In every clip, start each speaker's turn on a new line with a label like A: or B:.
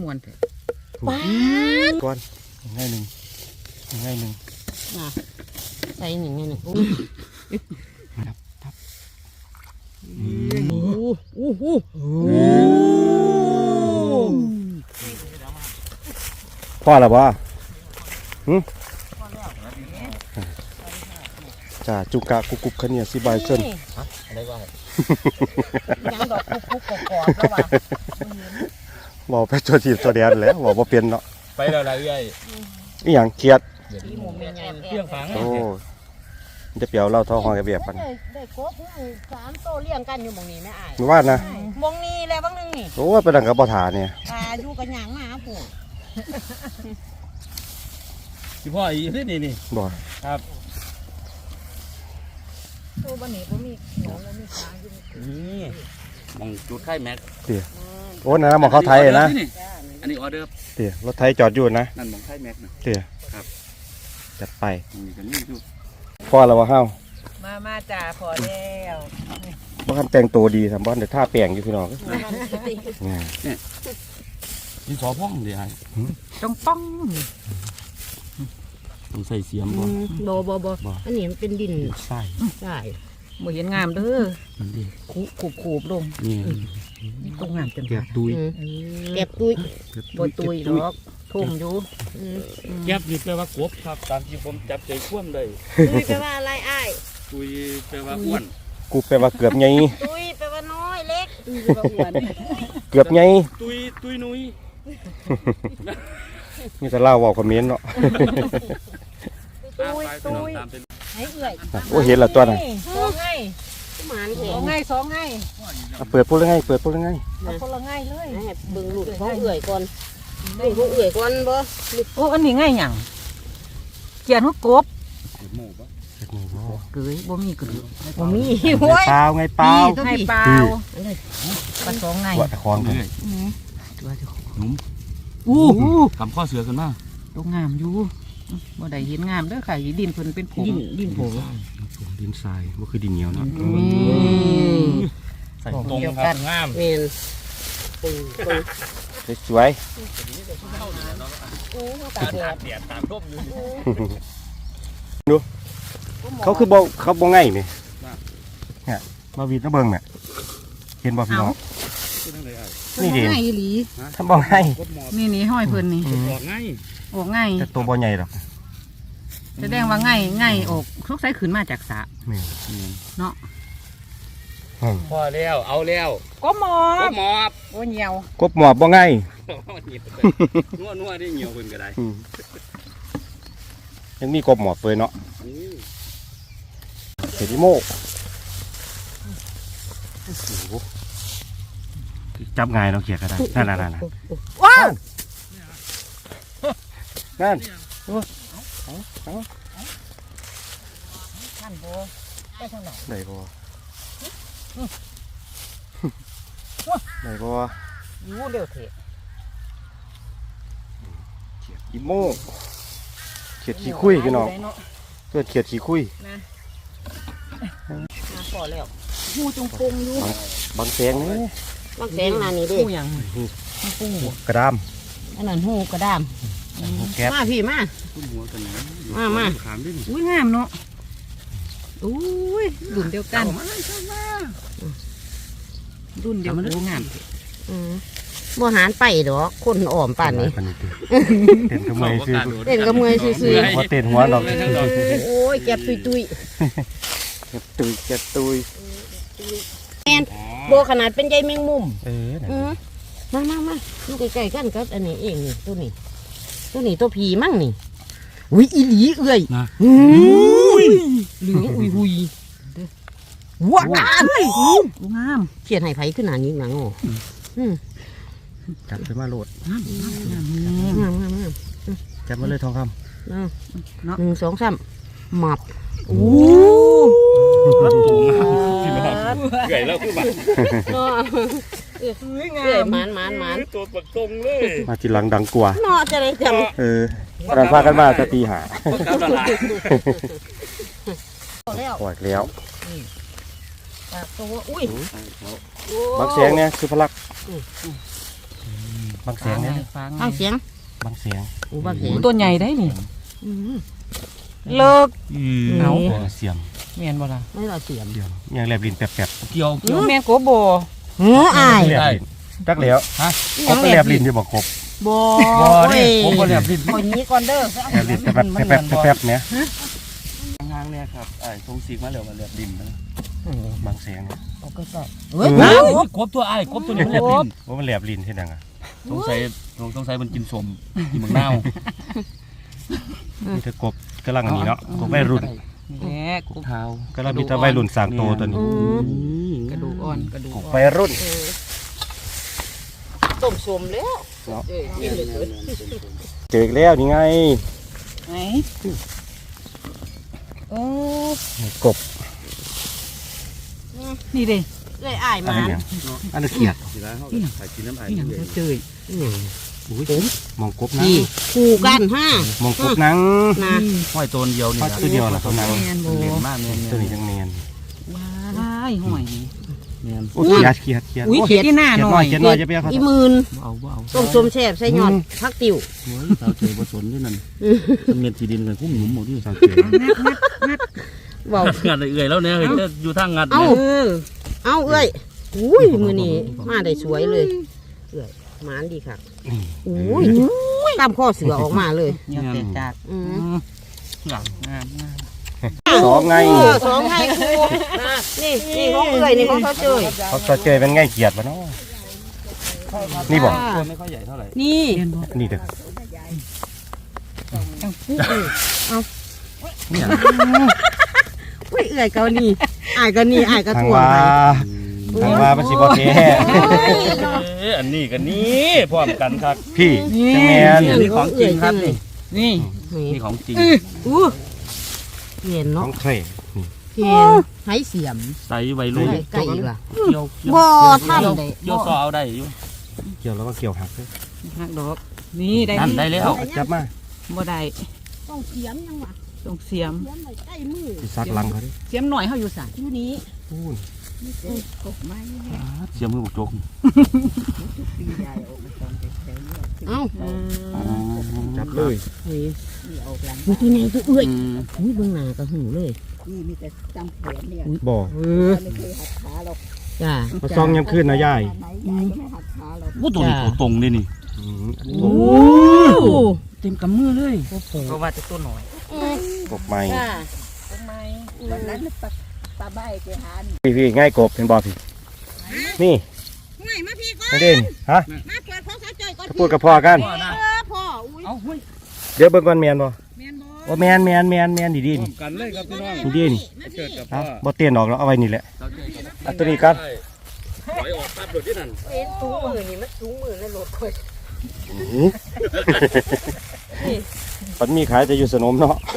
A: วนเถอะ
B: ก่อนง่ายหนึ่ง
C: ใส่หนึ่งหนึ่งโอ้โห
B: พ่อหรอบ่จ้าจุกะกุกขะเนี่ยสิบายเส้น
C: อะไรวะยังดอกคุกกรอบแล้วว่ะ
B: บอกไปตัวทีตัวเดียนแล้วบอกว่าเปลี่ยนเนาะ
D: ไปแล้วอะไรเอ้ย
B: อีหยังเครียด
D: เครื่องฝัง
B: โอ้จะเปียวเล่าท้องหอยกระเบียบกัน
C: ได้ครบ3 โตเลี้ยงกันอยู่หม่องนี้แม่อ้าย
B: หรือว่านะ
C: หม่องนี้แล้วบางนึงนี่
B: โอ้ไปดังกับบ่ถาเนี่ย
C: อยู่กับหยังมาปู่
D: ที่พ่ออีนี่
B: บ่
D: ครับ
C: ตัวบันนี้บ่มีหนองบ่มีปลาอยู่
D: นี่มองจุดไข่แม็ก
B: เดี๋ยวโอ้นะมองเขาไทยนะ
D: อันนี้ออเดอร์
B: เดี๋ยวรถไทยจอดอยู่นะ
D: นั่นมองไข่แม็กนะ
B: เดี๋ยว
D: ครับ
B: จัดไป
D: นี่กันนี่อยู่
B: พ่อเราว่าเฮา
C: มาจ่าพอแล้ว
B: บ่คันแต่งตัวดีทำบ้านเดี๋ยวท่าแป้งอยู่พี่น้อง
D: ดินสอพ่องเดี๋ยว
C: ต้องป้อง
D: ต้องใส่เสียมบ่
C: อันนี้มันเป็นดิน
D: ใช่
C: บ่เห็นงามเด้อ
D: มันดี
C: ขูบลง
D: นี่
C: ตรงงามจน
D: แกบตุย
C: บ่ตุยดอกทุ่มอยู่
D: แกบนี่แปลว่ากบครับตามที่ผมจับใจคว่ำได้
C: ตุยแปลว่าอะไรอ้าย
D: ตุยแปลว่าอ้วน
B: กูแปลว่าเกือบไง
C: ตุยแปลว่าน้อยเล็กแปลว่าอ้วน
B: เกือบไง
D: ตุยนุ้ย
B: นี่จะเล่าว่าคอมเมนต์เนาะ
C: ตุยให้เอื่อย
B: โอ้เห็นละตัวน่ะ
C: สองไง
B: เปิดพูดเรื่องไง
C: เอาคนละไงเลยเบิ่งหลุดของเอื่อยก่อนบ่โอ้อันนี้ไงหยังเกียนหัวกบเกยบ่มีกระดูกบ่มีโว้ย
B: เปล่าไงเปล่า
C: ให้เปล่าปลาสองไง
B: ว่าตะคองเลย
D: นุ่มกำข้อเสือกันมา
C: ตรงงามอยู่บ่ได้เห็นงามเด้อค่ะดินเพิ่นเป็นผงดินผง
B: ดินทรายบ่คือดินเหนียวเนาะ
D: ใส่ตรงครับงาม
C: แม่น
B: สวย
D: ตากแดดตากร่มอยู่
B: ดูเขาคือบ่เขาบ่ง่ายนี่เนี่ยมาวีดน้ำเบิ่งเนี่ยเห็นบ่พี่น้องนี่ดิ
C: ง่ายอีหลี
B: ทำบ่ง่าย
C: นี่ห้อยเพิ่นนี่
D: ออก
C: ง่าย
B: แต่ตัวบ่ใหญ่หรอก
C: แสดงว่าง่ายออกทุกสายขึ้นมาจากสระเนาะ
D: พอแล้วเอาแล้ว
C: กบหมอบโอ้เหี่ยว
B: กบหมอบบ่ง่าย
D: นัวได้เหี่ยวเพิ่นก็ได้
B: ยังมีกบหมอบเปยเนาะเห็ดอีโมจับง่ายเราเขียดก็ได้นั่น
C: ว้าว
B: นั่น
C: ท่านโบได้เท่าไหร่
B: ได้บ่
C: ยูเร็วเถอะ
B: เขียดอีโมเขียดขี้คุยพี่น้องเกิดเขียดขี้คุย
C: มาพอแล้วหูจงปงอยู่
B: บางแสงนี่
C: บางแสงนานี่ดิหูยัง
B: กระดาม
C: อันนั้นหูกระดามมาพี่มาอุ้ยงามเนาะอุ้ยรุ่นเดียวกันรุ่นเดียวกันงามบ่หารไปดอกคนอ่อมป่านนี้
B: เต้นกระเมยซื้อ
C: หั
B: วเต้นหัวดอก
C: โอ้ยแก็บตุยแอนโบขนาดเป็นใยแมงมุมมาลูกไก่กันก็อันนี้เองนี่ตัวนี้ตัวผีมั่งนี่อุ้ยอีหลีเอื่อยเหลืองอุ้ยว้าวงามเขียนให้ไผ่ขึ้นหนานี้หนังอ๋อ
B: จับไปมาโหลด
C: งาม
B: จับมาเลยทองคำ
C: 1 2 3หมับโอ้
D: ไก่แล้วคือแบบ
C: เอื่อยมัน
D: ตัวปักตรงเลย
B: มาทีหลังดังกว่า
C: เนาะจะได้จ
B: ำเราพากันมาจะตีหาปล่อยแล้ว
C: ตัวอุ้ย
B: บางแสงเนี่ยคือพลักบางเสียงเนี่ย
C: ฟังเสียง
B: บางเสียง
C: อู้บางเสียง
A: ตัวใหญ่ได้นี่เลิก
B: เอา
A: เอา
B: เสียม
A: แม่นบ่ล่ะ
C: ไม่เราเสียง
B: เสียมยังแลบลิ้นแป๊บ
D: เกี่ยว
A: แม่นโกโบ
C: อาย
B: ๆแลบลิ้นจักแล้วกบแลบลิ้นอยู่บ่กบ
C: บ่
D: บ่นี่ผมบ่แลบลิ้น
C: คนนี้ก่อนเด้อ
B: แลบลิ้นแป๊บเนี่ย
D: ห่างๆเนี่ยครับทรงสีมาแล้วมาแลบลิ้นนะ
B: บางเสียงเนี่ย
A: เอาก็ใส่
C: เฮ้ย
D: กบตัวกบตัวนี้มันแลบลิ้น
B: ว่ามันแลบลิ้นเฮ็ดหยังอ่ะ
D: สงสัยมันกินสมกินมังนาว
B: มีแต่กบกำลังอันนี้เนาะกบวัยรุ่น
A: แหละ
D: กบเท้าก
B: ำลังมีแต่วัยรุ่นสร้างโตตัวนี้
A: กระดูกอ่อนกระดูก
B: กบ
A: อ่อน
B: วัยรุ่น
C: ต้มสมแล้ว
B: เจออีกแล้วนี่ไง
A: ไหนโอ้
B: กบ
A: นี่เด้
C: เลยอาย
B: อัน
C: มา
B: นี้อันนี้เกียด
D: สิแล้วเขาใส่กินน้ำไอ้
A: นี่หยังเจย
B: มองกบนัง
C: พี่คู่กันฮะ
B: มองกบนัง
C: นะ
D: ห้อยตัวเดียวนี่
B: ทอดคือเดียวล่ะตัวนัง
A: แม่นบ่
D: เล่นมากเนี่ย
B: ตัวนี้จังแมน
A: ว้ายหอยนี่
D: เนี่ย
B: โอ้ยเกียด
A: อุ้ยเขียดที่หน้า
B: เกียด
A: ห
B: น้
A: น่
B: อ
A: อย ย
B: เกียดน้อยจะไปเอาเขา
C: อีหมื่น
D: เอา
C: ต้มสมแซ่บใส่ยอดผักติ๋ว
D: โอ้ยสาวเจอผสมด้วยนั่นเม็ดที่ดินกันคุ้มหนุ่มหมดที่
B: สาวเจอ
C: เว้า
D: งัดเอื่อยแล้วเนี่ยเฮ้ยอยู่ทางงัด
C: เอ้า
A: เออ
C: เอาเอ้ยอุ้ยมือนี้มาได้สวยเลยเอ้ยหมานดีค่ะอุ้ยตามข้อเสือออกมาเลย
A: เนี่ยแต่จาก
C: อืม
D: งามงาม
B: สองไง
C: สองไงครูนี่ของเอ้ยนี่ของเขาเจย
B: เขาสาวเจอเป็นไงเกียดวะเนาะนี่บอก
D: ตัวไม่ค่อยใหญ่เท่าไหร่
C: นี่
A: เรียนบ่
B: นี่เด้อ
A: จังปุ๊บ
C: อุ้ยเอ้ยเกานี่อายก็นี่อายก็
B: ทาง
C: ถ่วง
B: ว่า
C: ไป
B: ทางว่ามันสิบ่แท้
D: อันนี้กันนี้พร้อมกันครับ
B: พี่จังแมน
D: นี่ของจริงครับนี่
A: นี่
D: นี่ของจริง
C: อู้เห็น
B: ข
C: เนาะ
B: องเคร
C: เห็นไห้เสียม
D: ใส่วัยรุ่น
C: ไก่อีกล่ะ
D: เกี่ยว
C: บ่ทำได้
D: เกี่ยวซอเอาได้อยู่
B: เกี่ยวแล้วก็เกี่ยวหักเลย
A: หักดอกนี่ได้
D: นั่นได้แล้ว
B: จับมา
A: บ่ได้
C: ต้องเสียมยังวะ
A: ต้องเสียม
C: เสียมไว้ใกล้มือ
B: สิซักหลังเขาดิ
A: เสียมหน่อยเฮาอยู่สั่น
C: อยู่นี้
B: พูน
D: เสียมือบุกจก
C: เอ้า
B: จับเลย
C: เฮ้ยมีตัวไหนตัวเอ้ยอุ้ยเบื้องหน้าก็หูเลย
B: บ่
C: จ้า
B: มาซองยามขึ้นนะยาย
D: ว่าตัวนี้ตัวตรงเลยนี่
C: โอ้
A: เต็มกำมือเลยเพราะว่าจะตัวหน่อย
B: กบใหม่
C: จ้า
B: พี่ง่ายกบเป็นบ่พี่นี่
C: ไม่มาพี่ก่อน
B: ไม่เด่นฮะ
C: มาเปิดของสาวจ้อยก่อน
B: กระพูดกับพ่อกัน
C: พ่ออุ้ย
D: เอาเฮ้ย
B: เดี๋ยวเบิ่งก่อนแมนบ่
C: แมนบอ
B: ว่าแมนดีๆนี่
D: กันเลยครับพี่น้อง
B: ดีๆนี่
C: มาพี่
B: ฮะบ่เตี้ยนออกแล้วเอาไว้นี่แหละเอาตัวนี้กัน
D: ถอยออกปั๊บโดดที่นั่น
C: เอ็นสูงมือนี่มันสูงมือแล้วโหลดคอย
B: มันมีขายแต่อยู่สนมเนาะ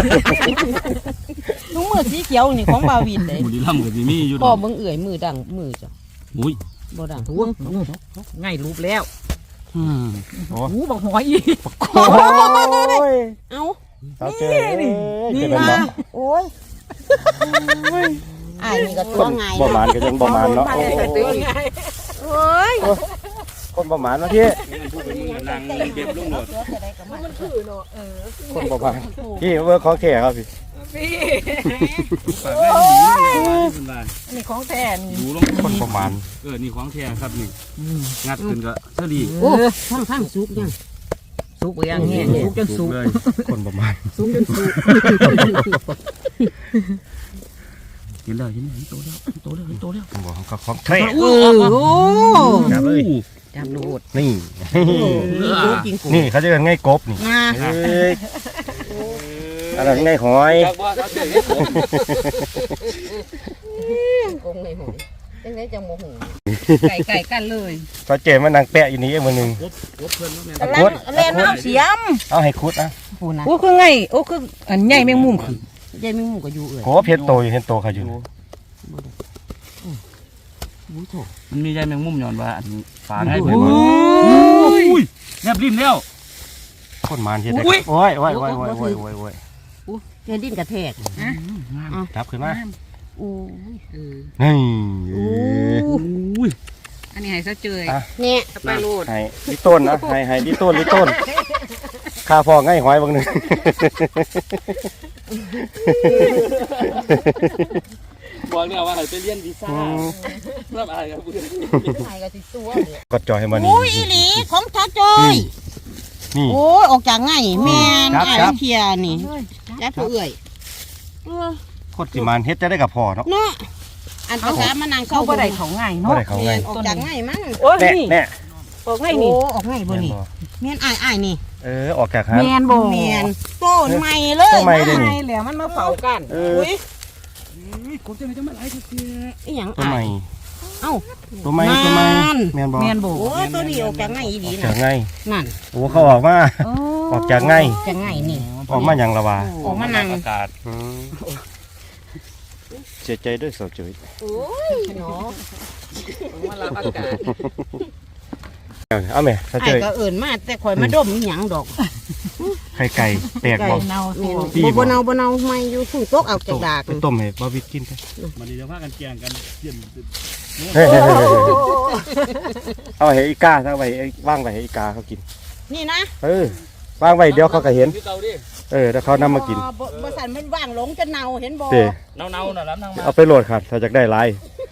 C: สูงมือสีเขียวนี่ของบาวินเลย
D: บุรีรัมย์กับที่มีอยู่ด
C: พ่อ
D: อก
C: เบิ่งเอื่อยมือดังมือจ้ะ
D: อุ้ย
C: บ่ดัง
A: ทวงง่ายรูปแล้ว
B: โอ้
A: หูบักหอยอีก
B: ย
C: เอ้า
B: เอาเจอนี่จะเป็นบ่
C: โอ้ยอ้ายนี่ก็ตัวไง
B: บ่หมานก็ยังบ่หมานเนาะโอ้
C: โอ้ย
B: คนบ่หมานมาพี่
D: พูดเป็นมึงนางเก็บลูกหมด
C: มันคือเนาะ
B: คนบ่หมานพี่เวิร์คขอแข่ครับพี่
D: ปากแม่หนีเป็นไร
A: นี่ของแท้นี่
D: ดูลง
B: คนบ่หมาน
D: นี่ของแท้ครับนี่งัดขึ้นก็เสรี
C: โอ้ทั้งสุกยัง
A: สุกยังแห้งสุกจนสุก
D: เลย
B: คนบ่หมาน
C: สุกจนสุก
D: เห็นแล้วเห็นโตแล้วโตแล้วโตแล้ว
B: ผมบอกเขาของแข่
C: โอ้
B: จับเลย
A: จับโดด
B: นี่
C: สุกกินกุ้ง
B: นี่เขาจะกันง่ายกบนี่
C: นะ
B: เอ้ยอะไรง่ายหอย
D: จากว่าเขาเจอ
C: กุ้งในหอยจังไดจังโมโห
A: ไก่กันเลย
B: เขาเจมันนางแปะอยู่นี่มือหนึ่ง
D: กบเพื่อนแม่
B: เอาคุด
C: เล่นน้ำเสียม
B: เอาให้คุดนะ
C: โอ้นะ
A: โอ้คือไงโอ้คืออันใหญ่แมงมุมคือ
C: ยายมีหมูก็อยู่เอ่ย
B: โอ้เพชรโตอยู่เห็นโตเขาอยู่
D: มันมีใจแมงมุมย้อนว่าอันฝาง่าย
B: โอ้
D: เพื่
B: ย
D: อนแนบริมแล้ว
B: คนมานเห็นได้โอ้ยโอ้ยโอ้ยโอ้ยโอ้ยโอ้ยโอ้ย
C: เงินดิ้นกระแทก
B: จับขึ้นมา
C: โอ้ย
B: นี่
C: โอ้
D: อุ้ย
A: อ
C: อันนี้ให้ซะเจย
B: อ่ะ
C: เนี่ยไปโลด
B: ให้ลิต้นนะให้ลิต้นข้าพอง่ายหอยบางหนึ่ง
D: บอกเนี่ยว่าให้ไปเรียนวีซ่าเริ่มอะไรครับเพื่อน
C: ถ่ายกับสิตัว
B: กดจอยให้มัน
C: โอ้ยอีหลีของซะเจย
B: นี่
C: โอ้ยออกจากง่ายแม่น
B: ครับ
C: อ้าย
B: ครับ
C: เทียนี่ยัดผู้เอื่อย
B: โคตรสิมานเฮ็ดจะได้กับพ่อเนาะ
C: เนาะอันภาษามานั่ง
A: เขา
C: เข้า
A: บ่ได้เขาง่าย
B: บ่
A: เนาะ
B: ได้เขาง่าย
C: ออกจากง่ายมั้ง
A: โอ้ย
B: แน่
A: นี่
B: แน่
A: ออกง่ายนี่
C: โอ้ออกง่ายบ่นี่
B: แม่นบ่
C: แม่นอ้ายนี่
B: ออกจากหา
A: แมนบ่
C: แม่นต้นใหม่เลย
B: ต้นใหม่เลย
A: ง่ายแล้วมันมาเฝ้ากัน
C: อุ้ย
D: ผมจะไม่จะมาไล่ทุกที
C: อีหยัง
B: ตัวใหม่
C: เอ้า
B: ตัวใหม่
C: นั่น
B: แม่นบ่
A: แมนบ่
C: โอ้ยตัวนี้ออกจากง่ายอีหลี
B: จา
C: น่ะ
B: กง่าย
C: นั่น
B: โอ้เขาออกมา ออกจากง่าย
C: จากง่ายนี่
B: ออกมาหยังละวะ
C: ออกมานั่ง
D: อากาศ
B: เสียใจด้วยสาวจุ๋ย
C: โอ้ยเนาะ
A: มารับอากาศ
B: เอาแม่สาว
C: ไอ้
B: จุ๋ย
C: ก็เอิ้นมาแต่ข่อยมาดมอีหยังดอก
B: ไข่ไก่แตกบ่
A: เน่า
C: แม่น
B: ดีบ่
C: บ่เนาไม่อยู่ฝุ่นตกเอาจากดาก
B: ไปต้มให้บ่วิดกินไป
D: มันนี่จะพากันแกงกันเยี่ยม
B: เฮ้ยเอาให้อีกาเอาไว้ว่างไว้ให้อีกาเขากิน
C: นี่นะ
B: วางไว้เดี๋ยวเขาก็เห็น
D: พี่เก่าดิ
B: แล้วเขานำมากิน
C: บ่สั่นมันว่างหลงจะเน่าเห็นบ่
B: เด้
D: เน่าๆน่ะแล้วนั่งมา
B: เอาไปโหลดค่ะถ้าอยากได้หลาย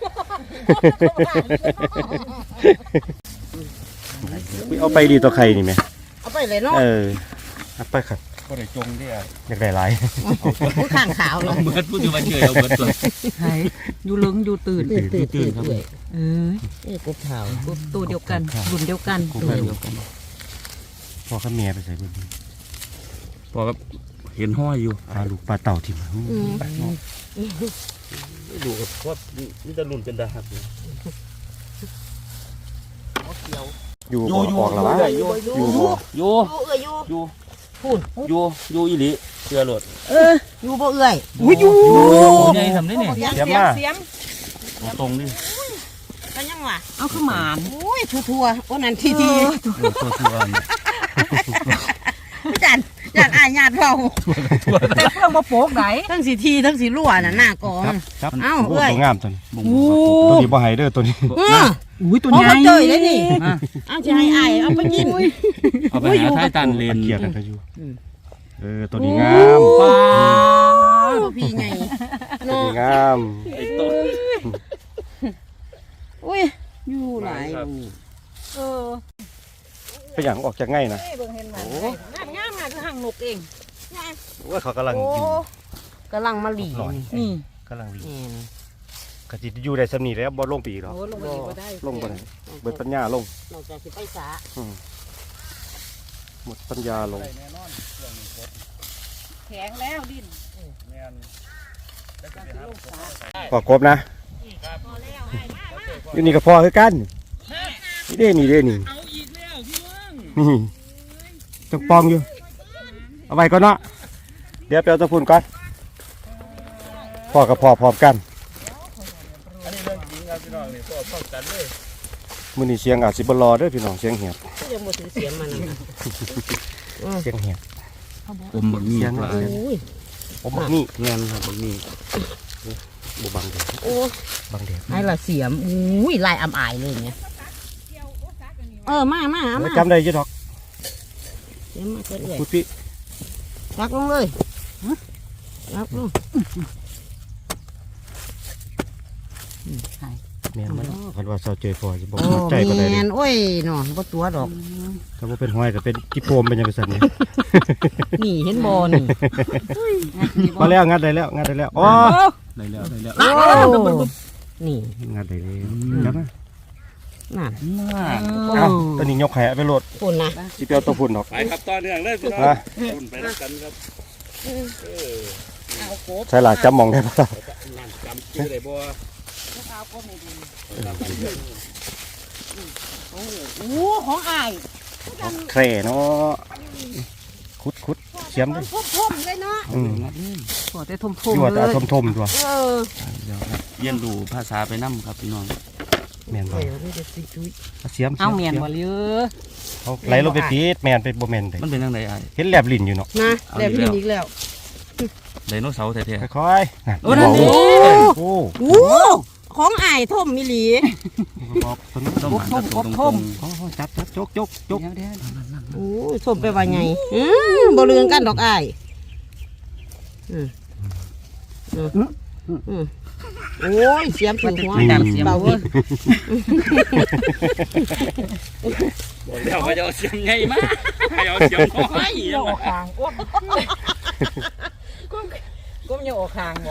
B: เอาไปดีตัวใครนี่แม่
C: เอาไปเลยเนาะ
B: เอาไปค่ะ
D: ก็ได้จงดิ
B: อยากได้หลาย
C: ผู้ข้างขาวเลย
D: เบิดพูดถึงว่าเฉยเอาเบิดตัว
A: หายอยู่ลึงอยู่ตื่น
C: ตื่นครับ
A: เออ
C: กบขาว
A: ตัวเดียวกันรุ่นเดียวกัน
B: ตัวเดียวกันพ่อกับเมียไปใส่บุญ
D: พอครับเห็นห้อยอยู่
B: ปลาลูกปลาเต่าทิ่ม
D: ดูกับว่านี่จะลุ่นเป็นดาบ
B: อยู่บ่ออกแล้ววะอยู่บ่
D: อยู่
C: เอื้อยอยู่
D: อยู่
C: พูด
D: อยู่อีหลีเชื่อโหลด
C: อยู่บ่เอื้อย
A: อยู่
D: ใหญ่ทำได้เนี่ย
A: เสียม
D: ตรงนี่
C: ก็ยังวะ
A: เอาขึ้นมาน
C: โอ้ยทั่วโอ้นั่นที
D: ตัวเนี่ย
C: จันจันอายญาติเรา
A: แต่เพื่อนมาโปกไหน
C: ทั้งสีทีทั้งสีรั่วน่ะหน้ากอง
B: ครับ
C: เอ้า
B: โอ้
C: เอ้ย
B: ตัวงามตัวนี้
D: บ่ง
B: ตัวนี้บ่ให้เด้อตัวนี้
A: อุ้ยตัว
C: เอา
A: ใหญ่
C: มาเจยเลยนี่เอาจะให้อายเอาไปกิน
D: เอาไปหาท้ายตันเลน
B: เกียร์กันก็อยู่ตัวนี้งาม
A: ปลา
C: พี่ไง
B: ตัวนี้งาม
D: ไอ้ตัว
C: อุ้ยอยู่หลายนี่
B: เป็นอย่างออกจากง่ายนะ
A: เบิ่งเห็นไหมงามคือหางนกเอง
B: ว่าเขากำลังอยู่
C: กำลังมาหลี
A: นี่
B: กำลังดี
C: แม่น
B: กะจิอยู่ได้สำนีแล้วบ่ลงปีหรอก
A: โอ้ลงไปอีกบ่ได้
B: ลงบ่ได้เบิดปัญญาลง
C: นอกจากสิไปสา
B: หมดปัญญาลง
A: แข็งแล้วดิน
B: พอกบนะอยู่นี่ก็พอคือกันนี่เด้นี่นี่จังปองอยู่เอาไว้ก่อนเนาะเดี๋ยวไปเอาตะพุ่นก่อนพ่อกับพ่อพร้อมกัน
D: อันนี้เรื่องจริงครับพี่น้องนี่พร้อมกันเลย
B: มื้อนี้เสียงอาจสิบ่รอเด้อพี่น้องเสียงเหียบ
C: ยังบ่ถือเสียงมันนะ
B: เสียงเหียบ
D: ผมบักมีปลา
C: โอ้ย
B: ผมบอกนี่
D: เงี้ยครับบักมี
B: บ่บังเด้อ
C: โอ้
B: บังเด้อ
C: ไอ้ละเสียมอุ้ยลายอำอายเลยเนี่ยมาเอามา
B: จำได้อยู่ดอก
C: เสียมมาเรื่อย
B: พุดพี่
C: รักลงเลยรักลง
B: แม่นมันคันว่าเซาเจยพอสิบ่
C: โอ้
B: ใจปานใด
C: แม
B: เด้
C: นโอ้ยเนาะบ่ตัวดอก
B: ถ้าบ่เป็นห้อยก็เป็นกิโปมเป็นจังซั่นนี่
C: นี่เห็นบ่นี่
B: พอแล้วงัดได้แล้วงัดได้แล้วอ๋อ
D: ได้แล้ว
C: โอ้นี่
B: งัดได้แล้วจับมา
C: นั่น
B: เอ้าตัวนี้ยกให้เอาไปโหลด
C: ปุ่นนะ
B: สิไปเอาตัวพุ่นดอก
D: ไปครับต่อเนื่องเลยพี่น้อง
B: นะ
D: คุณไปด้วยกันครับ
B: ใช่ล่ะจำมองได้บ่ล่ะ
D: นั่นจำชื่อได้บ่
C: โอ้ของอาย
B: แคร่เนาะคุดเสียมด้วย
C: พุ่มๆเลยเนาะ
A: ขอแต่ทม
B: อยู่ว่า
A: ๆเล
B: แต่
A: ย
B: ทมๆตัว
D: เรียนรู้ภาษาไปนํครับพี่น้อง
B: แม่นบ่
C: เดี๋ยวนี่จะสิจุ้ย
B: เสียม
A: เอาเมียนบ่เลย
B: เขาไหลลงไปปีดแม่นไปบ่แม่นได้
D: มันเป็นจังได๋อ้าย
B: เห็นแลบลิ้นอยู่เนาะ
C: นะแล้วพี่อีกแล้ว
D: ไดโนเสาร์แท้
B: ค่อยๆนั่น
D: โอ้นั่นดิ
B: โอ้
C: โอ้ของอ้ายท่มมิหลี
B: บอกตัวนี้
D: ต้องหันกบทม
B: จับจก
A: เดี๋ยว
C: โอ้ยท่มไปว่าไงบ่เลืองกันดอกอ้ายโอ้ยเสียมถูกหัวเบาเว้ย
D: เดี๋ยวไปเอาเสียงไงมาเอาเสียงน้อย
A: ยังออกคางก็ยังออกคางบ่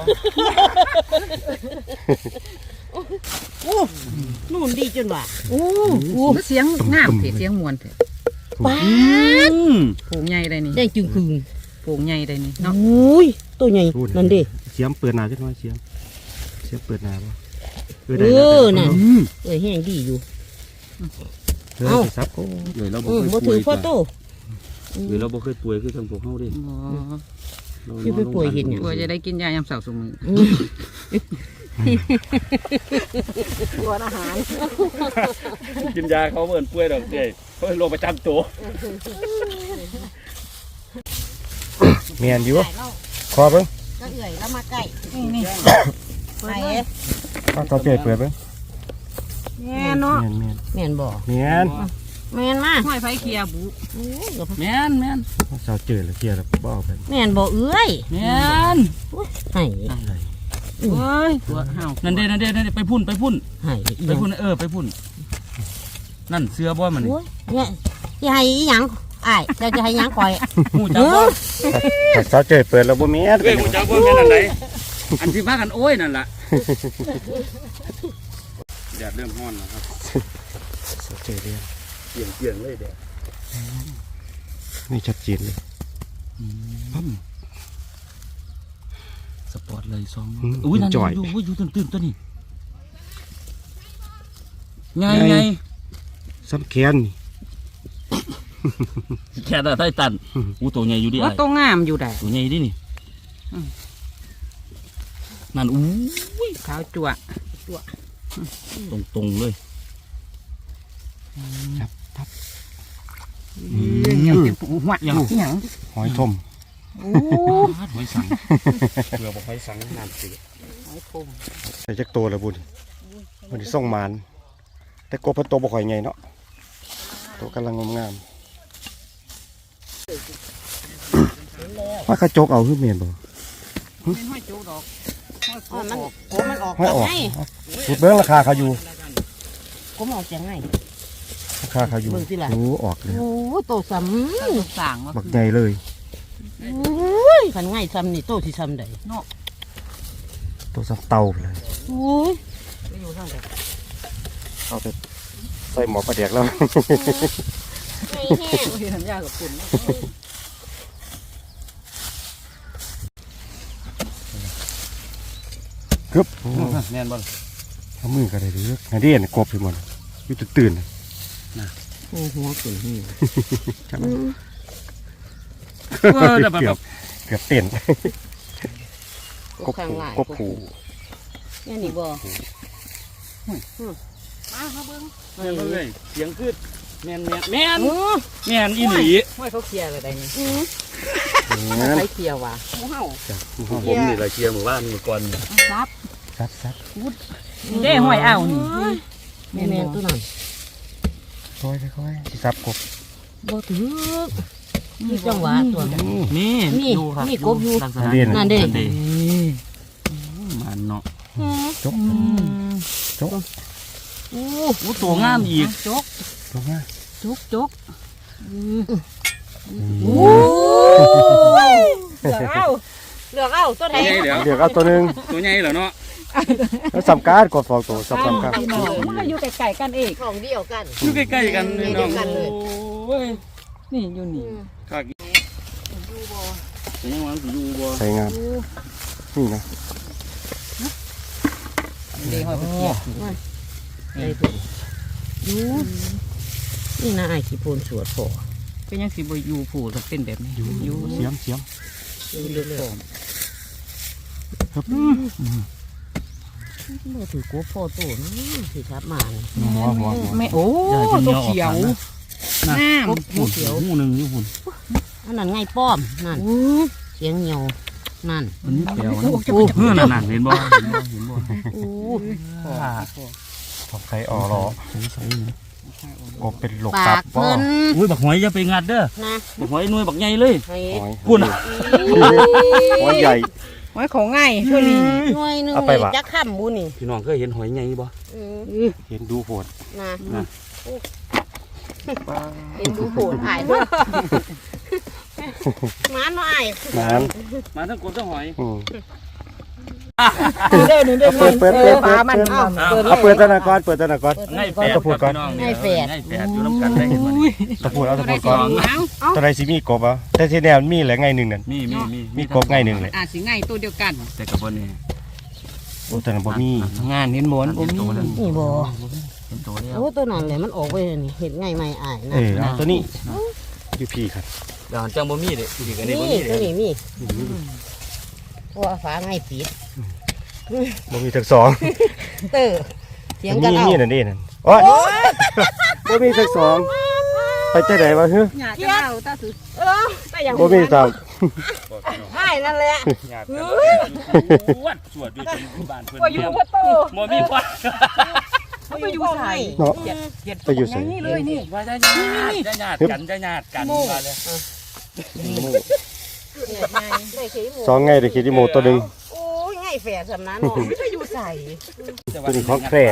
C: นู่นดีจนว่า
A: โอ้เสียงงามเถอะเสียงมวนเถอะ
C: ป้า
A: โผงใหญ่ได้นี่
C: ได้จึงคืน
A: โผงใหญ่ได้นี่เนาะ
C: โอ้ยตัวใหญ่นั่นดิ
B: เสียมเปิดหนาจังน้อยเสียมเปิดหนาป่ะ
C: นั่นแห้งดีอยู่
B: ซับโอ้
D: เลยเราบ่
C: บ่
D: เคยป่
C: ถื
D: ว
C: อย พ่อโต
D: เลยเราบ่เคยป่วยคือทางพวกเฮาดิ
C: คือไปป่วยเห็นอย่าง
A: กลัวจะได้กินยายามเสาร์สมือ
C: ตัวอาหาร
D: กินยาเขาเหมือนป่วยดอกเด้เขาโรคประจำตัว
B: เมียนอยู่คอเบิ้ง
C: ก็เอื่อยแล้วมาใกล้
A: นี่
C: ไป
B: ก็ต่อเจเปิดเบิ้ง
C: แม่เนาะ
B: เมียน
C: แม่นบ่
B: เมียน
C: แม่นมา
A: ห้อยไฟเคียบุ
D: แม่น
B: สาวเจอแล้วเคลียร์แล้วบ่เอาไป
C: แม่นบ่เอื้อย
D: แม่น
C: ให้
B: อะไร
A: เฮ้ยตัวห่าว
D: นั่นเด้ไปพุ่น
C: ให้
D: ไปพุ่นไปพุ่นนั่นเสือบ่มันนี่
C: โอ้ยเนี่ยจะให้อีหยังอ้ายเจ้าจะให้หยังข่อย
D: หูจักบ่
B: สาวเจเปิดแล้วบ่เมียน
D: เอ้ยหูจักบ่แม่นอันใดอันที่ว่ากันโอ้ยนั่นล่ะแดดเริ่มร้อนแล้วครับ
B: สาวเจเรียน
D: เปลี่ยนเลยแดด
B: นี่ชัดเจนเลย
D: สปอร์ตเลยซองอุ้ยนั่นอยู่ตื่นตัวนี้ไง
B: ซ้ำแขนนี่
D: แค่ได้ตันอู้ตัวใหญ่อยู่ดิ
A: ว่าตัวงามอยู่ได้
D: ตัวใหญ่ดินี่นั่นอู้
A: ขาวจั่ว
D: ตรงเลย
A: ยังเป็นปูหัวอย่างที่หยัง
B: หอยทม
A: โอ้
D: หอยสังเรือบอกหอยสังน้ำเสีย
B: ใส่จักโตแล้วบุญวันนี้ส่งมานแต่กบเพิ่นโตบ่ค่อยใหญ่เนาะโตกำลังงามว่ากระจกเอาคือเมียนบ่
A: เป็นห้อยโจดอก
C: มันออก
B: ห้อยออก
C: ไง
B: พูดเบิ้งราคาเขาอยู่
C: ก็ออกจังไง
B: ราคาเขาอยู่
C: เบิ่งสิล่ะ
B: โอ้ออกเลย
C: โอ้โตซ้
A: สั่งว่า
B: บักใหญ่เลย
C: ำโอ้ยขันง่ายซ้ำนี่โตที่ซ้ำใด
B: ตัวสับเตาไปเลย
C: โอ้ย
B: เอาไปใส่หมอปลาเดียกแล้ว
C: ไม่แห้ง
A: ที่ทำยากับคุณ
B: ครับ
D: แน่นบ่
B: เอามือกันเลยเด้อนาเดียนกบไปหมดอยู่ตื่นๆ
C: โอ้หัวขึ้นนี่
B: เกือบเต้น
C: กบข้างหลาย
B: กบผู
C: เนี่ยนี่บ่
D: แม่นเลยเสียงขึ้นแม่น
C: เออ
D: แม่นอีหลี
A: ห้อยเขาเคลียร์อะไรได้นี่
B: งั้น
A: ไฟเคลียร์ว่ะ
D: ผมนี่แหละเชียร์หมู่บ้านเมื่อก่อน
A: ซับ
B: ซัด
A: เด้ห้อยอ้าวนี่
C: แม่นตัวนั้น
B: ค่อยสิซับกบ
C: บ่ถือนี่จังหวะตัวนั้น
D: นี่
C: นี่
D: ดูครับ
C: นี่กบอยู่
B: นาเดียน
C: นั่นเด้
D: มันเนาะ
B: จก
C: โอ้
D: โอ้ตัวงามอีก
A: จก
B: ตรงนี้
A: จก
C: โหเลือกเอาตัวไหน
D: ตัวใหญ่เดี๋ยว
B: เดี๋ยวเอาตัวหนึง
D: ตัวใหญ่เหรอเนาะ
B: แล้วสำการกดฟองตัวสำการ
A: พี่น้องมันก็อยู่ไกลๆกันเอง
C: ของเดียวกัน
D: อยู่ใกล้ๆกันนี่น้องโอ้ย
A: นี่อยู่นี่
D: ข้ากินแต่ยังว่าสิอยู่บ่
B: ใส่งามนี่นะ
A: เด้ห้อยเขาเคลียร์
C: ไอ้ตัวยูนี่นะไอ้ขี้โพนสวดพอ
A: เป็นยังสิบ่อยู่ผู้ต้องเป็นแบบนี้อยู่
B: เสียม
C: เลือกบ่ถือกบพ่อโตนะสิครับมา
B: หัว
A: แม่โอ้ตัวเขียวงาม
C: กบหูเขียว
D: หูหนึ่งอยู่หุ่น
C: อันนั้นไงป้อมนั่นเสียงเหี่ยวนั่น
D: มันนี่แปลวนะเมื่อนั่นเห็นบ่เห็นบ่
C: โอ้
B: ทำไข่อ่อรอกบเป็นหลก
C: ปา
B: ตับ
C: กเพิ่น
D: อุ้ยบักหอยอย่าไปงัดเด้อ
C: นะ
D: บักหอยหน่วยบักใหญ่เลย
C: ให้
B: หอย
D: พูดนะ
B: หอยใหญ่
A: ไว้ของง่ายเท่านี้
C: หน่วยหนึง
B: เอาไปวะ
C: จักค่ำบุนี่
D: พี่น้องเคยเห็นหอยใหญ่บ่
B: เห็นดูโหด
C: นะเห็นดูโหดอายเนาะหมาหน่อย
B: นั้น
D: มาทั้งกบทั้งหอย
A: เด้อนี่เด้อ
B: เปิด
A: ปลามัน
B: เอาเปิดตะนากรเปิดตะนากร
D: ง่ายแปดครับพี่น้องง่ายแปดอยู่น้ำกันได้เห็นบ่
B: ตะพูดเอาตะพูดก่อนตะไรสิมีกบอ่ะแต่ที่แนวมีแหละไงหนึ่งนั่น มีกบไงหนึ่งเลย
A: สิง่ายตัวเดียวกัน
D: แต่กับบ่นี่
B: โอ้แต่นั้นบ่มี
A: งานเห็นบ่นบ่มี
C: นี่บ่
D: เห็นตัวแล้ว
C: โอ้ตัวนั้นแหละมันออกไปนี่เห็นไงไม่อายนะ
B: เอาตัวนี้อยู่พี่ครับ
D: เดี๋ยวจังบ่มีเด้อีกอันนี้บ่
C: นี่
D: มี
C: ตัว
D: เด้
C: นี้มีเพราะว่าฟ้าไงปิด
B: บ่มีทั้งสอง
C: เตอเสียงกันเอา
B: มีนั่นนี่นั่นโอ้ยบ่มีทั้งสองไปใจไหนวะเฮ้ย
A: หยาจะเอาตาสุด
C: แต่อย่าง
B: บ่มีสาม
C: ใช่นั่นแหละ
D: ญาติกันวัดสวดอยู่ที่บ้านเพิ่น
A: ว่าอยู่พ่อโต
D: บ่มีวัด
A: เขาไปอยู่ใส่
B: เนาะ
A: เก็ด
B: ไปอยู่ใส่
A: นี่เลยนี่
D: ว่าจะญาติกันว่าเลย
B: สองไงเด็กคิดดิโมตัวหนึ่ง
C: โอ้ยไงแฝดสำนัก
A: ไม่ไปอยู่ใส่
B: ตัวนี้ของแคร่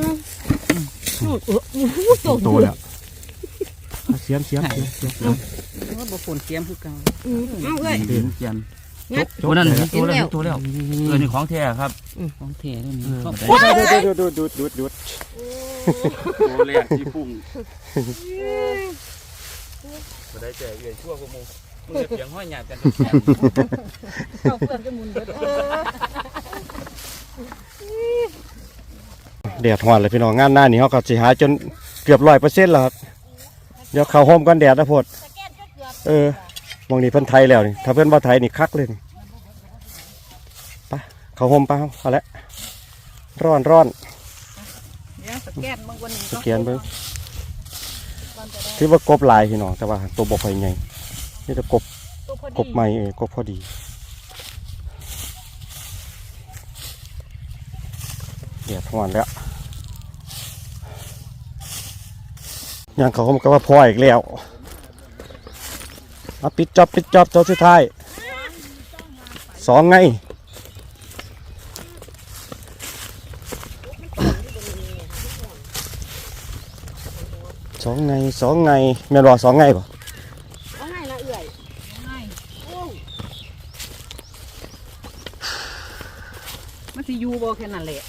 B: ตัวแล้วเสียม
A: ว่าบ่ฝนเสียมคือเก่า
C: เอาเลย
D: เดินเกียนตัวนั้นตัวแล้วนี่ของแท้ครับ
A: ของแท้แล้วนี่
B: ดูด
D: ตัวแรกที่พุ่งบ่ได้แต่เอื้อยชั่วกว่าหมู่มึงเสียงห้อยหยาบกัน
A: เอาเพื่อนจะมุนเบิด
B: แดดหอนเลยพี่น้องงานหน้านี่เขาก็สิหาจนเกือบ100%แล้วครับเดี๋ยวเข้าโฮมกันแดดนะพดมองนี่เพิ่นไทยแล้วนี่ถ้าเพิ่นบ่ไทยนี่คักเลยนี่ไปเข้าโฮมไปเอาละร้อน
A: เดี๋ยวสแกนบางวันนี้
B: สแกนเบิ่งที่ว่ากบหลายพี่น้องแต่ว่าตัวบ่ค่อยใหญ่นี่จะกบใหม่กบพอดีแดดหอนแล้วยังเขาก็ว่าพออีกแล้วเอาปิดจอบตัวสุดท้ายสองไงสองไงแม่นบอกสองไงป่ะ
C: เอาไงละเอื่อย
A: มันสิอยู่บ่แค่นั้นแหละ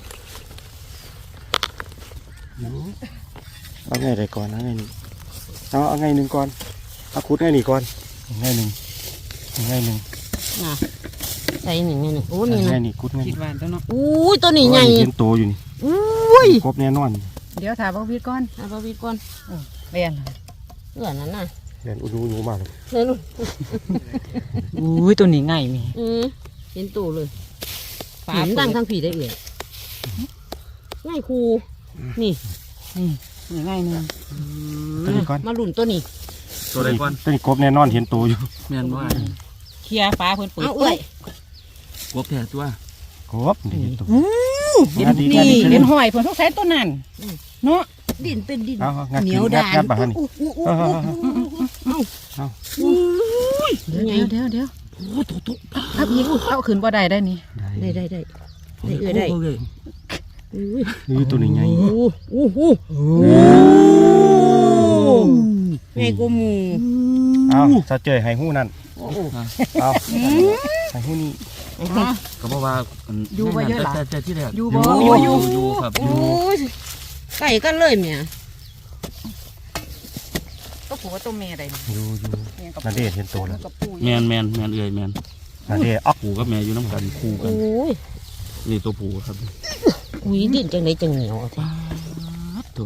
B: เอาไงใดก่อนเอาไงนี่เอาไงหนึ่งก่อนเอาคุดไงนี่ก่อนไงหนึ่ง
C: น่ะใส่หนึ่งไงหนึ่งโอ้นี่
B: ไง
C: นะ
B: นี่คุดไง
A: คิดว่าตัวเนาะ
C: อุ้ยตัวนี้ใหญ่
B: เห็นโตอยู่นี่
C: อุ้ย
B: กบแน่นอน
A: เดี๋ยวถามบ่วิดก่อน
C: เอาไปวิดก่อน
A: เรียน
C: เอื่อยนั่นน่ะ
B: เรียนอุมากเลย
C: เฮ้ยนู่น
A: อุ้ยตัวนี้ง่ายมี
C: เห็นตู้เลยฝามนดังทั้งผีได้เอื่อยง่ายครูนี่
A: นี่ง่ายนึง
B: ตัวนี้ก่อน
C: มาหลุนตัวนี้
D: ตัวใดก่อน
B: ตัวนี้กบแน่นอนเห็นโตอยู่
D: แม่นบ่
A: เคลียร์ฟ้าเพิ่นเปิด
C: เอาเอื่อย
D: กบแท้ตัว
B: กบนี่เห็นโต
A: เห็นนี่เห็นหอยเพิ่นต้องใช้ตัวนั้นเนาะ
C: ดินเป็นดิน
B: เอางัด
C: เหนี
B: กิ
C: ย
B: น
C: ว
B: งั
C: ดา
B: ด
C: น
B: งัดบ้านนี่
A: เดี๋ยวถ้าอีกเอาขึ้นบ่ได้ได้นี่
C: ได้เอื่อยได้อุ้ย
B: นี่ตัวนี้ไง
C: ไงกูมู
B: เอาซาเจยให้หู้นั่นเอาให้หู้นี่
D: ก็บอกว่าแต่ที่แรกอยู่ครับ
C: โอ้ยไก่กันเลยเมีย
A: ก็ผัวตัวเมียได้นี่
B: อยู่นาเดชเห็นโตแล้ว
A: กับปู่
D: แมนเอื่อยแมน
B: นาเดชอ๊อก
D: ผูกับแม่อยู่น้ำกันคู่กัน
C: โอ้ย
D: นี่ตัวผูครับ
C: อุ้ยดินจังไหนจังเหนียวอ่ะ
D: ตัว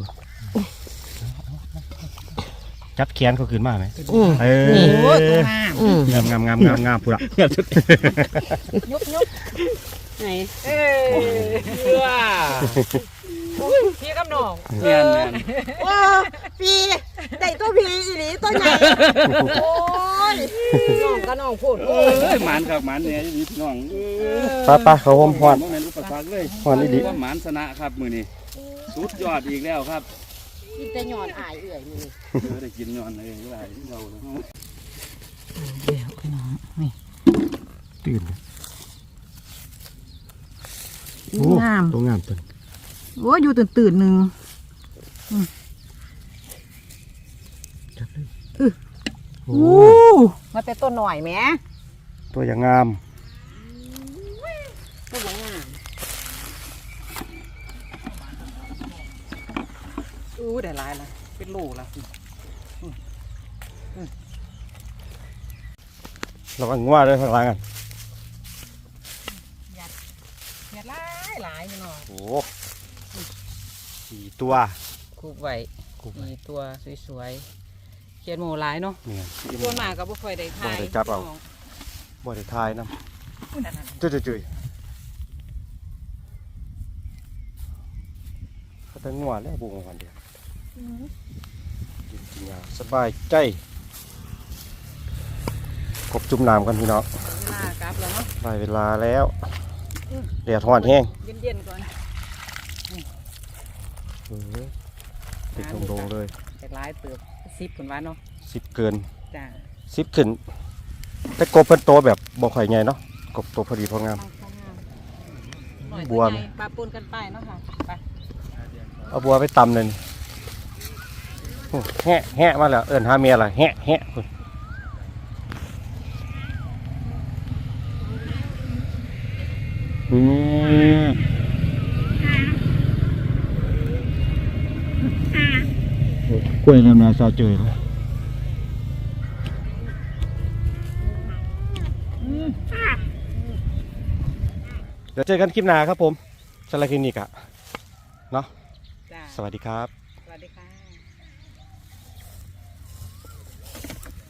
B: จับแขนเขาขึ้นมาไหม
A: โอ้ยตัวงาม
B: งามพูดละ
A: ยก
C: ไหน
A: ว้าพี่กับน้อง
D: แม่น
C: ว้าพี่ได้ตัวพี่อีหลีตัวใหญ่โอ้ยน้องก็น้องโพด
D: เอ้ยหมานครับหมานเนี่ยพี่น้อง
B: ป้าเขาห่มพร
D: บ่แม่นอุปสรรคเลย
B: พรอีดี
D: ว่าหมานชนะครับมื้อนี้สุดยอดอีกแล้วครับ
C: กินแต่หยอดอายเอื่อยนี่
D: ได้กินย้อนเลยหลายเราแล้ว
A: เดี๋ยวพี่น้องนี่
B: ตื่น
A: งาม
B: ตัวงามตัว
A: โอ้ยอยู่ตื่นหนึ่ง
B: โอ้
C: มาแต่ต้นหน่อยแหม
B: ตัวอย่างงาม
C: ก็บ่งาม
A: ได้หลายละเป็นโลละ
B: ระวังงัวด้วยข้างหล่างกัน
C: เห็ดหลายหลายพี่น้อง
B: โอ้สี่ตัว
A: คูบไว้
B: กูไป
A: มีตัวสวยๆเขียนหมูหลายเนาะ
B: เนี่ย
A: ส่วนมากก็บ่ค่อยได้ทาย
B: บ่ได้จับเอา บ่ได้ทายน้ำจุยเขาแต่งัวแล้วบุ้งวันเดียวกินยาสบายใจกบจุ่มน้ำกันพี่น้อง
A: เวลากลับแล้วเนาะ
B: ได้เวลาแล้วแดดร้อนแห้ง
A: เย็นๆก่อน
B: ติดโดงๆเลย
A: แต่หลายเติบ10คนว่าเนาะ
B: 10 เกิน
A: จ้า
B: 10 ขึ้น แต่กบเพิ่นโตแบบบ่ค่อยใหญ่เนาะกบโตพอดีพองาม บัว
A: ใหญ่ปลาปนกันไปเนาะค่ะไป
B: เอาบัวไปตำเลยนี่โอ้แหะแหะมาแล้วเอิ้นหาเมียล่ะแหะแหะพุ่นกล้วยน้ำนาซาเจยเลยเดี๋ยวเจอกันคลิปหน้าครับผมสำหรับคลิปนี้กะเนาะ
A: จ้า
B: สวัสดีครับ